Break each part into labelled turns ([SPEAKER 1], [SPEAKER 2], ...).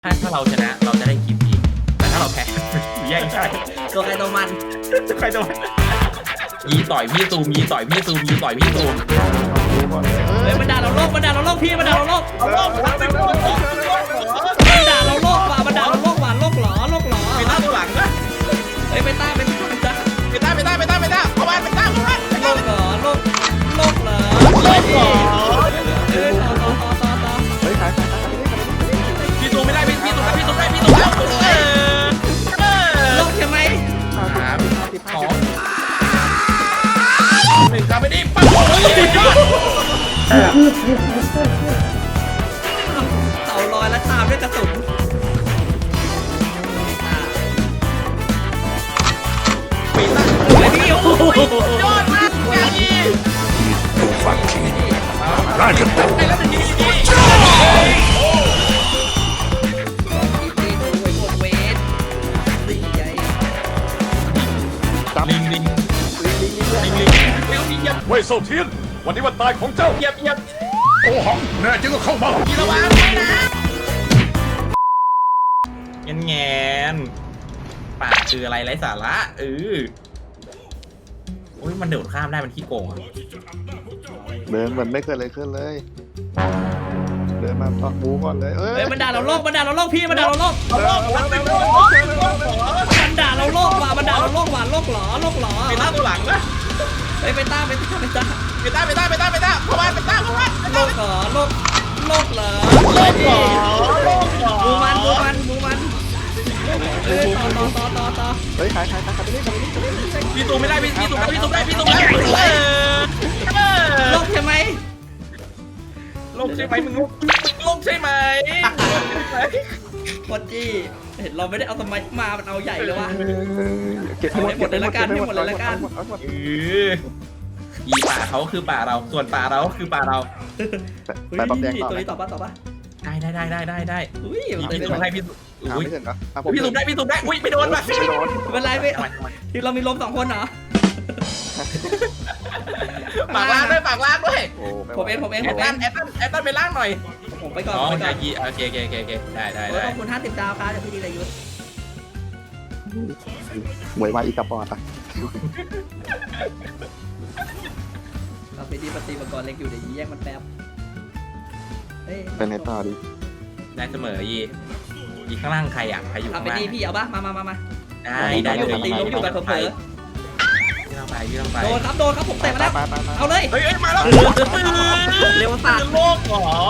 [SPEAKER 1] ถ้าเราชนะเราจะได้คลิปอีกแต่ถ้าเราแพ้แย่งใช่
[SPEAKER 2] ตัวใครตัวมัน
[SPEAKER 1] ใครจะยีต่อยพี่ตูมยีต่อยพี่ตูมยีต่อยพี่ตูม
[SPEAKER 2] เฮ้ยมันด่าเราโลกพี่มันด่าเราโลกมันด่าเราโลกว่ะมันด่าเราโลกว่ะโลกหรอ
[SPEAKER 1] ไปต้าตัวหลังนะ
[SPEAKER 2] เฮ้ยไปต้าเข้าบ้านโลกเหรอโลกเหรอต่อ
[SPEAKER 3] เฮ้ยขาย
[SPEAKER 1] พี่ตูมไม่ได้พี่ตูมได้
[SPEAKER 2] โลกใช่ไหม
[SPEAKER 1] 3 2 1ครับไม่ได้ปั๊บ
[SPEAKER 2] เต่าลอยแล้วตามด้วยกระสุน
[SPEAKER 1] ปีตั้ง
[SPEAKER 2] ไอ้พี่โอ้ย
[SPEAKER 1] ยอดมากอย่างนี้ไปแล้วหนึ่งทีลิง
[SPEAKER 3] เว่ยโซเทียนวันนี้วันตายของเจ้า
[SPEAKER 1] เหยียบ
[SPEAKER 3] โอ้หังแน่จริงก็เข้ามา
[SPEAKER 1] กีระวังนะแงนป่าคืออะไรไร้สาระโอ้ยมันเดินข้ามได้มันขี้โกงอ่ะ
[SPEAKER 3] เดินเหมือนไม่เคยเลยขึ้นเลยเดินมาปักบูก่อนเลย
[SPEAKER 2] เฮ้ยมันด่าเราโลกพี่มันด่าเราโลกมันด่าเราโลกว่ะมันด่าเราโลกว่ะโลกหรอ
[SPEAKER 1] ไปต้าตัวหลังนะ
[SPEAKER 2] เฮ้ยไปต้าเข้าบ้าน
[SPEAKER 1] โลกเหรอ
[SPEAKER 2] บูมันต่อ
[SPEAKER 3] เฮ้ยขายไปนี่
[SPEAKER 1] พี่ตูไม่ได้พี่ตูได้
[SPEAKER 2] โลกใช่ไหม
[SPEAKER 1] ลงใช่ไหมมึงลงใช่ไหม
[SPEAKER 2] โคตรจี้เห็นเราไม่ได้เอาสมัยมามันเอาใหญ่เลยว่ะ
[SPEAKER 3] เก็บให้หมดเลยละกัน
[SPEAKER 1] อีป่าเขาคือป่าเราส่วนป่าเราคือป่าเรา
[SPEAKER 3] แต่บอมแดงต่อ
[SPEAKER 2] ตัวนี้ต่อป่ะ
[SPEAKER 1] ได้พี่ตูให้พี่
[SPEAKER 3] ไม่ถึงนะ
[SPEAKER 1] พี่ตูได้อุ้ยไม่โดนป่ะ
[SPEAKER 2] ไม่เป็นไรไม่ที่เรามีลม2 คนเหรอ
[SPEAKER 1] ปากล่างด้วย
[SPEAKER 2] ผมเอง
[SPEAKER 1] แอตตันไปล่างหน่อย
[SPEAKER 2] ผมไปก่อน
[SPEAKER 1] โอเคได้
[SPEAKER 2] ขอบคุณ50 ดาวครับจากพี่ดีรายุทธ์
[SPEAKER 3] หมวยมาอีกกับปอดอ่ะ
[SPEAKER 2] เราไปดีปฏิบัติกรเล็กอยู่เดี๋ยวแยกมันแป๊บ
[SPEAKER 3] เป็นในต่อดิ
[SPEAKER 1] ได้เสมอยีข้างล่างใครใครอยู่
[SPEAKER 2] เอา
[SPEAKER 1] ข้าง
[SPEAKER 2] ไป
[SPEAKER 1] ล่าง
[SPEAKER 2] ดีพี่เอาป่ะมา
[SPEAKER 1] ได้
[SPEAKER 2] อยู่ตีล้มอยู่แบบเผลอ
[SPEAKER 1] พี่ต้องไป
[SPEAKER 2] โดนครับผมเตะมาแล้วเอาเลย
[SPEAKER 1] เฮ้ยมาแล้ว
[SPEAKER 2] เร็วสัตว์
[SPEAKER 1] โลกเหรอ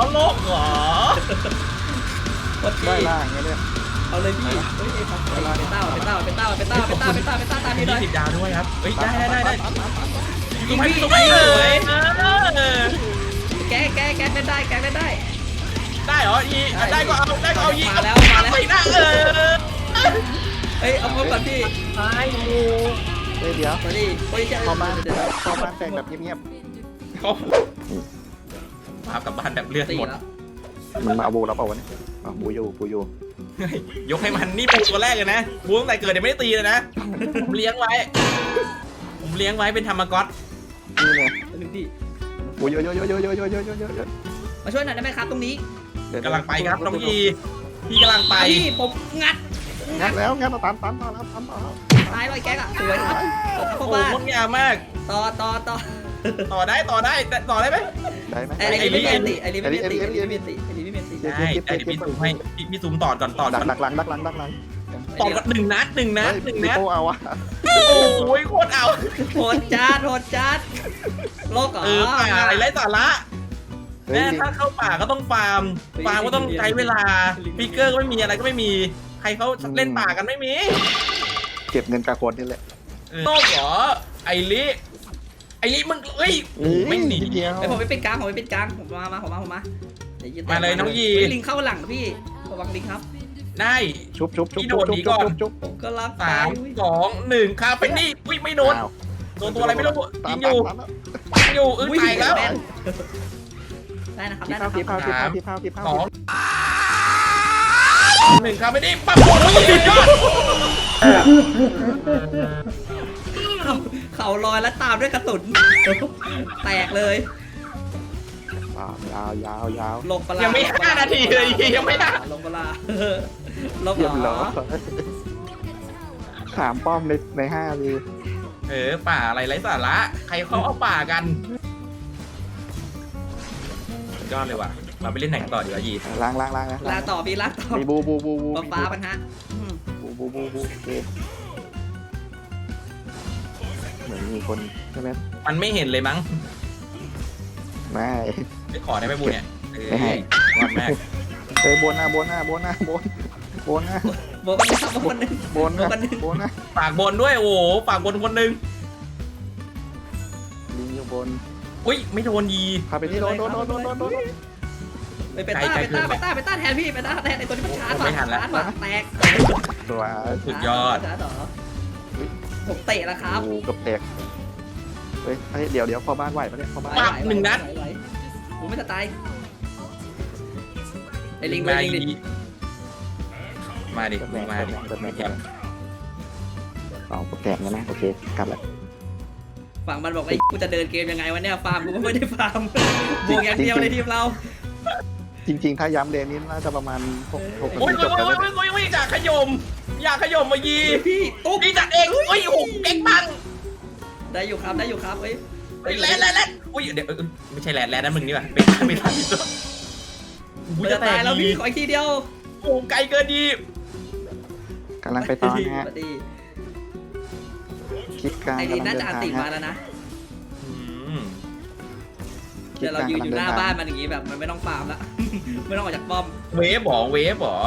[SPEAKER 3] ได้ล่างเนี่ย
[SPEAKER 2] เอาเลยพี่เป็นเต้าตามนี้เลย
[SPEAKER 1] 10 ดาวด้วยครับเฮ้ยได้
[SPEAKER 2] ยิงพี่สวยแกเล่นได้
[SPEAKER 1] ได้เหรอได้ก็เอายี
[SPEAKER 2] มาแล้ว
[SPEAKER 1] ไปหน้า
[SPEAKER 2] เฮ้ยเอาพร้อมก่อนพี่
[SPEAKER 1] ตายงู
[SPEAKER 3] เดี๋ยว
[SPEAKER 2] มาดิ
[SPEAKER 3] พอบ้านแต่งแบบเงียบ
[SPEAKER 1] มากับบ้านแบบเลือดหมด
[SPEAKER 3] มันมาเอาบูแล้วเปล่าวะเนี่ยบูอยู่
[SPEAKER 1] ยกให้มันนี่บูตัวแรกเลยนะบูตั้งแต่เกิดยังไม่ได้ตีเลยนะผมเลี้ยงไว้เป็นธรรมก๊อต
[SPEAKER 3] นี่เลย
[SPEAKER 2] พี่
[SPEAKER 3] บูเยอะ
[SPEAKER 2] มาช่วยหน่อยได้ไหมครับตรงนี้
[SPEAKER 1] กำลังไปครับน้องยีพี่กำลังไป
[SPEAKER 2] พี่ผมงัด
[SPEAKER 3] แล้วงัดตาม
[SPEAKER 2] ตายเลยแกอ่ะสวยครับ
[SPEAKER 1] โอ้โหงดงามมาก
[SPEAKER 2] ต่อ
[SPEAKER 1] ได้ไหม
[SPEAKER 2] ไอ้ลิไม่มีติ
[SPEAKER 1] ได้พี่ซูมให้พี่ซูมต่อก่อน
[SPEAKER 3] ดักหลัง
[SPEAKER 1] ต่อกัน1 นัด
[SPEAKER 3] โอ้เอาวะ
[SPEAKER 1] โอ้ยโคตรเอา
[SPEAKER 2] โหดจัดโลกเหรอ
[SPEAKER 1] ป่าอะไรไร้สาระแม่ถ้าเข้าป่าก็ต้องฟาร์มก็ต้องใช้เวลาฟิกเกอร์ก็ไม่มีอะไรก็ไม่มีใครเขาเล่นป่ากันไม่มี
[SPEAKER 3] เก็บเงินกาโคนนี่แหละ
[SPEAKER 1] โลกเหรอไอ้ลิมึงไม่หนี
[SPEAKER 2] ผมไปเป็นกลางผมมามา
[SPEAKER 1] เลยน้องยี
[SPEAKER 2] ลิงเข้าหลังพี่ระวังลิงครับ
[SPEAKER 1] ได้
[SPEAKER 3] ชุบ
[SPEAKER 1] พี่โดดหนีก่อน
[SPEAKER 2] ก็รัก
[SPEAKER 1] 3 2 1ครับเป็นนี่ไม่โดนตัวอะไรไม่รู้ยิงอยู่ตายแล้ว
[SPEAKER 2] ได้นะครับ
[SPEAKER 3] พี่พาว
[SPEAKER 1] 1ครับไม่ได้ปั๊บ
[SPEAKER 2] เขาลอยแล้วตามด้วยกระสุนแตกเลย
[SPEAKER 3] ยาว
[SPEAKER 2] ลงปลา
[SPEAKER 1] ยังไม่5 นาทีเลยยังไม่ได้
[SPEAKER 2] ลงปลาลง
[SPEAKER 3] เยี่ยม
[SPEAKER 2] เหร
[SPEAKER 3] เล
[SPEAKER 2] อย
[SPEAKER 3] ถามป้อมใน5เลย
[SPEAKER 1] ป่าอะไรไร้สาระใครเขาเอาป่ากันสุดยอดเลยว่ะเราไปเล่นไหนกันต่อดีวะยี
[SPEAKER 3] ล้างนะ
[SPEAKER 2] ลาต่อพี่ลาต่อ
[SPEAKER 3] มีบู
[SPEAKER 2] ฟ้ามันฮะ
[SPEAKER 3] บูโอเคเหมือนมีคนใช่ไหม
[SPEAKER 1] มันไม่เห็นเลยมั้ง
[SPEAKER 3] ไม่
[SPEAKER 1] ไปขอได้ไหมบูเนี่ย
[SPEAKER 3] ไม่ให้
[SPEAKER 1] วันแม่
[SPEAKER 3] ไปบนหน้า
[SPEAKER 2] โบกันนะครับโบกันหนึ่ง
[SPEAKER 3] บนนะ
[SPEAKER 1] ฝากบนด้วยโอ้โหฝากบนคนหนึง
[SPEAKER 3] ลิงอยู่บน
[SPEAKER 1] อุ้ยไม่โดนยี
[SPEAKER 3] พาไปที่โดน
[SPEAKER 2] ไปต้าแทนพี่ไปต้าแทนไอตัวที่มันชาร์จแตก
[SPEAKER 3] ตัว
[SPEAKER 1] สุดยอด
[SPEAKER 2] ผมเตะแล้วครับ
[SPEAKER 3] กูกับแตกเฮ้ยเดี๋ยวพ่อบ้านไหวปะเนี่ยพ่อบ้าน
[SPEAKER 2] กูไม่จะตายไอลิง
[SPEAKER 1] มา
[SPEAKER 2] ดิ
[SPEAKER 1] มาดิ
[SPEAKER 3] เปิดแม
[SPEAKER 1] มาดิ
[SPEAKER 3] เปิดแมเอาแตกแล้วนะโอเคกลับแล้ว
[SPEAKER 2] ฝั่งมันบอกไอ้กูจะเดินเกมยังไงวะเนี่ยฟาร์มกูก็ไม่ได้ฟาร์มบวกอย่างเดียวเลยทีมเรา
[SPEAKER 3] จริงๆถ้าย้ำเลนนี้น่าจะประมาณ6
[SPEAKER 1] โอ้ย
[SPEAKER 3] นาทีจบแล้วนะ
[SPEAKER 1] อยากขยมมายี
[SPEAKER 2] พี่ตุ๊บ
[SPEAKER 1] พี่จัดเองอุ้ยโอ้โหเก่งปัง
[SPEAKER 2] ได้อยู่ครับเฮ้ย
[SPEAKER 1] แลนอุ้ยเดี๋ยวไม่ใช่แลนนั่นมึงนี่ป่ะเป็นทันที่สุด
[SPEAKER 2] กูจะตายแล้วพี่ขออีกทีเดียว
[SPEAKER 1] โอ้ไกลเกินดี
[SPEAKER 3] กำลังไปตอนนะฮะคลิปกลาง
[SPEAKER 2] ไอ้ลิน
[SPEAKER 3] กำลั
[SPEAKER 2] น่าง
[SPEAKER 3] เดิ
[SPEAKER 2] จะ
[SPEAKER 3] น
[SPEAKER 2] อัน
[SPEAKER 3] ทาง
[SPEAKER 2] ติมา
[SPEAKER 3] ฮะ
[SPEAKER 2] แล้วนะ
[SPEAKER 3] คลิ
[SPEAKER 2] เดี๋
[SPEAKER 3] ป
[SPEAKER 2] ยว
[SPEAKER 3] ก
[SPEAKER 2] เรา
[SPEAKER 3] ลาง
[SPEAKER 2] ยืน
[SPEAKER 3] กำ
[SPEAKER 2] อ
[SPEAKER 3] ลัง
[SPEAKER 2] ยู่
[SPEAKER 3] เดิ
[SPEAKER 2] ห
[SPEAKER 3] น
[SPEAKER 2] น้า
[SPEAKER 3] ทาง
[SPEAKER 2] บ้านมันอย่างงี้แบบมันไม่ต้องฟาร์มละไม่ต้องออกจากป้อม
[SPEAKER 1] เวฟหรอ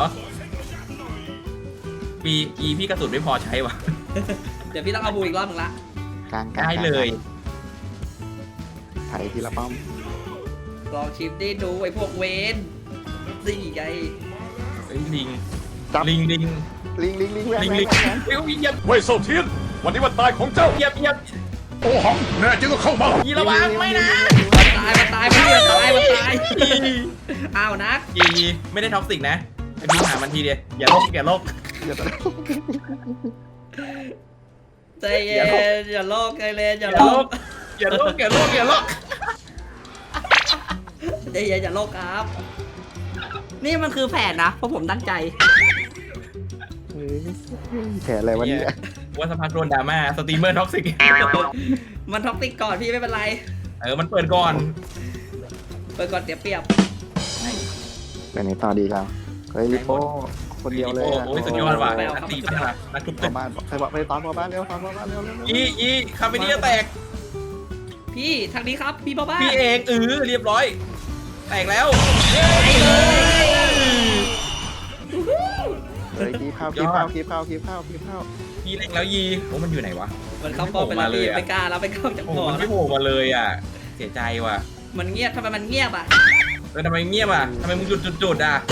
[SPEAKER 1] ปีพี่กระสุนไม่พอใช้ว่ะ
[SPEAKER 2] เดี๋ยวพี่ต้องเอาบูอีกรอบนึงละ
[SPEAKER 3] กลาง
[SPEAKER 1] ได้เลย
[SPEAKER 3] ไถทีละป้อม
[SPEAKER 2] ลองชิปได้ดูไอ้พวกเวนสี่ไง
[SPEAKER 1] ลิง
[SPEAKER 3] จับ
[SPEAKER 1] ลิง
[SPEAKER 3] ลิงแหวน
[SPEAKER 1] เฮ้ยเหยียบ
[SPEAKER 4] เว่ยเซาเทียน วันนี้วันตายของเจ้า
[SPEAKER 1] เหยียบ
[SPEAKER 4] โอหังแน่จริงก็เข้ามา
[SPEAKER 1] ยีระวังไม่นะ
[SPEAKER 2] มันตายพี่อ้าวนัก
[SPEAKER 1] ยีไม่ได้ท็อกซิกนะไอ้พี่หามันทีเดียวอย่าโลก
[SPEAKER 3] อย่า
[SPEAKER 2] ใจเย็นอย่าโลกใจเย็นอย่า
[SPEAKER 1] อย่า
[SPEAKER 2] โล
[SPEAKER 1] โล
[SPEAKER 2] ก
[SPEAKER 1] กอย่าโลก
[SPEAKER 2] ใจเย็นอย่าโลกครับ นี่มันคือแผนนะเพราะผมตั้งใจ
[SPEAKER 3] แผลอะไรวะเนี่ย
[SPEAKER 1] ว่าสักพักโดนดราม่าสตรีมเมอร์ท็อกซิก
[SPEAKER 2] มันท็อกซิกก่อนพี่ไม่เป็นไร
[SPEAKER 1] มันเปิดก่อน
[SPEAKER 2] เปิดก่อนเสียเปรียบ
[SPEAKER 3] ไปไหนต่อดีเราเฮ้ยลิโป้คนเดียวเลย
[SPEAKER 1] โอ้ยสุดยอดว่ะนักตีใช่ไหมนักทุบ
[SPEAKER 3] พ่
[SPEAKER 1] ตึ
[SPEAKER 3] อก บ้านใครบอกไปตอนพ่อบ้านเร็วตอนพ่อบ้านเร็ว
[SPEAKER 1] ยีคาเฟนี่จะแตก
[SPEAKER 2] พี่ทางนี้ครับพี่พ่อบ้าน
[SPEAKER 1] พี่เองเรียบร้อย แตกแล้ว
[SPEAKER 3] เฮ้ยคีบข้าว
[SPEAKER 1] สุดยอด
[SPEAKER 3] คีบ
[SPEAKER 1] พี่เล็กแล้วยีโอ้มันอยู่ไหนวะ
[SPEAKER 2] มันเข้าป้อมไปแล้วพี่ไม่กล้าแล้วไปเข้าจาก
[SPEAKER 1] โอ้
[SPEAKER 2] บ่อ
[SPEAKER 1] มัน
[SPEAKER 2] แล้
[SPEAKER 1] ไม่
[SPEAKER 2] ว
[SPEAKER 1] โผล่มาเลยอ่ะเสียใจว่ะ
[SPEAKER 2] มันเงียบทำไมมันเงียบอ่ะ
[SPEAKER 1] ทำไมเงียบอ่ะทำไมมึงจุดอ่ะ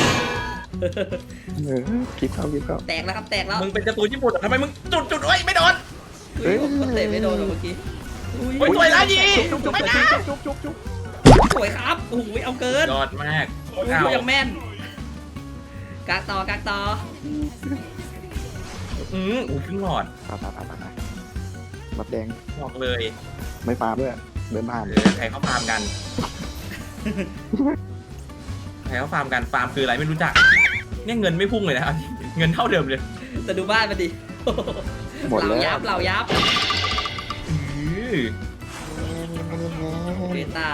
[SPEAKER 3] คีบข้าว
[SPEAKER 2] แตกแล้วครับแตกแล้ว
[SPEAKER 1] มึงเป็นการ์ตูนญี่ปุ่นทำไมมึงจุดเอ้ยไม่โดน
[SPEAKER 2] ผมเตะไม่โดนหรอกเมื่อกี้
[SPEAKER 1] โอ้ยสวยแล้วยีไม่นะ
[SPEAKER 2] สวยครับโอ้โหเอาเกิน
[SPEAKER 1] ยอดมาก
[SPEAKER 2] โอ้โหยังแม่นกากต่
[SPEAKER 1] อุ้ยครึ่งหลอด
[SPEAKER 3] บับแดง
[SPEAKER 1] บอกเลย
[SPEAKER 3] ไม่ฟาด้วยเดินผ่าน
[SPEAKER 1] ใครเขาฟาร์มกันฟาร์มคืออะไรไม่รู้จักเนี่ยเงินไม่พุ่งเลยนะเงินเท่าเดิมเลย
[SPEAKER 2] แต่ดูบ้านมันดิ
[SPEAKER 3] หมดแล้ว
[SPEAKER 2] เหล่ายับเบต้า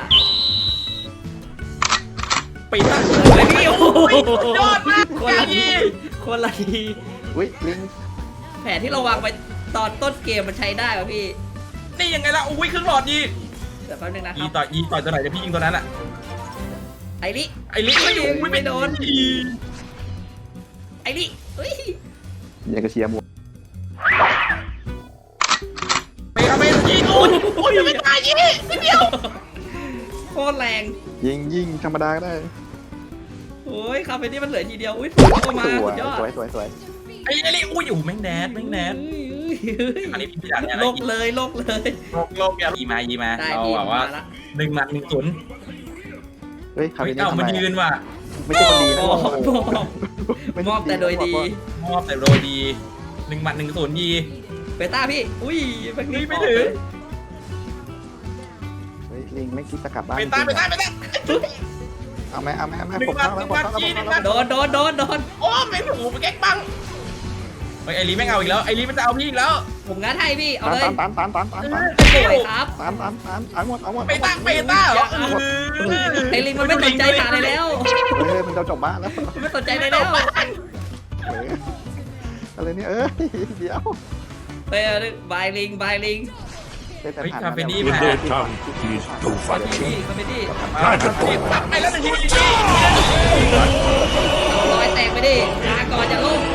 [SPEAKER 1] ปีตั้ง
[SPEAKER 2] เลยพี่โอ้โห
[SPEAKER 1] ยอดมาก
[SPEAKER 2] คนละที
[SPEAKER 3] อุ้ยลิง
[SPEAKER 2] แผนที่เราวางไปตอนต้นเกมมันใช้ได้ป่ะพี่
[SPEAKER 1] นี่ยังไงล่ะอุ้ยครึ่งหลอดยี
[SPEAKER 2] แต่แป๊บนึงนะค
[SPEAKER 1] ยี
[SPEAKER 2] รับ
[SPEAKER 1] ต่อยตัวไหนจะพี่ยิงตัวนั้นอ่ะ
[SPEAKER 2] ไอ้ลิ
[SPEAKER 1] ไอ้ลิไม่อยู่ไม่โดน
[SPEAKER 2] ไอ้ลิเฮ้ย
[SPEAKER 3] ยังกระเชียร์หมด
[SPEAKER 1] ไปเอาไปยิงโอ้ยไม่ตายยีนิดเดียว
[SPEAKER 2] โคตรแรง
[SPEAKER 3] ยิงธรรมดาก็ได้
[SPEAKER 2] โอ้ยคาเฟ่นี่มันเหลือทีเดียวอุ้ยเข้ามาสุดยอด
[SPEAKER 3] สวย
[SPEAKER 1] ไอ้ลิอุ้ยอยู่แม่งแดดอันนี้พี่อยากเนี่ย
[SPEAKER 2] โลกเลย
[SPEAKER 1] โลกอย่ายีมา
[SPEAKER 2] ได้
[SPEAKER 1] เรา
[SPEAKER 2] พี่
[SPEAKER 1] แบบว่า
[SPEAKER 2] ละ
[SPEAKER 1] 1 หมัด 1 ศูนย์
[SPEAKER 3] เฮ้ยคา
[SPEAKER 1] เฮ้
[SPEAKER 3] เฟ่
[SPEAKER 1] ย
[SPEAKER 3] นี่ทำไม
[SPEAKER 1] มันยืนว่ะ
[SPEAKER 3] ไม่ใช่คนดีนะ
[SPEAKER 2] มอบแต่โดยดี
[SPEAKER 1] มอบแต่โดยดี1 หมัด 1 ศูนย์ยี
[SPEAKER 2] เบต้าพี่อุ้ยแบบนี้
[SPEAKER 1] ไม่ถึง
[SPEAKER 3] เฮ้ยลิงไม่คิดจะกลับบ้าน
[SPEAKER 1] ไปตาย
[SPEAKER 3] เอาไหม
[SPEAKER 1] หนึ่ง
[SPEAKER 3] ผม
[SPEAKER 1] บั
[SPEAKER 3] ตั้
[SPEAKER 1] ต
[SPEAKER 3] ง
[SPEAKER 1] ห
[SPEAKER 3] แล้
[SPEAKER 1] นึ่
[SPEAKER 3] ว
[SPEAKER 1] ง
[SPEAKER 3] ผม
[SPEAKER 1] บัต
[SPEAKER 3] ตั้ง
[SPEAKER 1] หนึ่ง
[SPEAKER 3] แล้ว
[SPEAKER 1] บัต
[SPEAKER 2] โดน
[SPEAKER 1] โอ้ไม่ถูกไปแก๊กบังไอ้ลีแม่งเอาอีกแล้วไอ้ลีมันจะเอาพี่อีกแล้ว
[SPEAKER 2] ผมงัดให้พี่เอาเลย
[SPEAKER 3] ตัน
[SPEAKER 2] สวยครับ
[SPEAKER 3] เอาหมดเอาหมด
[SPEAKER 1] เปต้าเหรอ
[SPEAKER 2] ไอ้ลิงมันไม่สนใจฐานเลยแล้ว
[SPEAKER 3] เฮ้ยมันจะจบบ้านแล้ว
[SPEAKER 2] มันไม่สนใจเลยแล้ว
[SPEAKER 3] อะไรเนี่ยเดี๋ยว
[SPEAKER 2] ไปบายลิง
[SPEAKER 1] เฮ้ยคาเฟนี่
[SPEAKER 4] In
[SPEAKER 1] มา
[SPEAKER 4] their tongue, he is too
[SPEAKER 2] คอม
[SPEAKER 4] fat.
[SPEAKER 2] พี่คอมเมดี้
[SPEAKER 1] ตัดไปแล้วหนึ่งที
[SPEAKER 2] ลอยแตกไปดิลาก่อนจะล่ม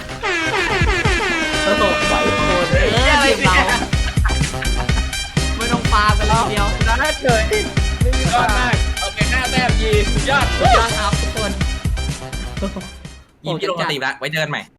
[SPEAKER 2] โอ้โหทีมเราไม่ต้องฟาร์มกันเลยทีเดียว
[SPEAKER 1] ได้เลยยอดมากโอเค5 แต้มยีสุดยอด
[SPEAKER 2] สุดยอดครับทุกคน
[SPEAKER 1] ยิมที่ลงสตรีมแล้วไว้เจอกันใหม่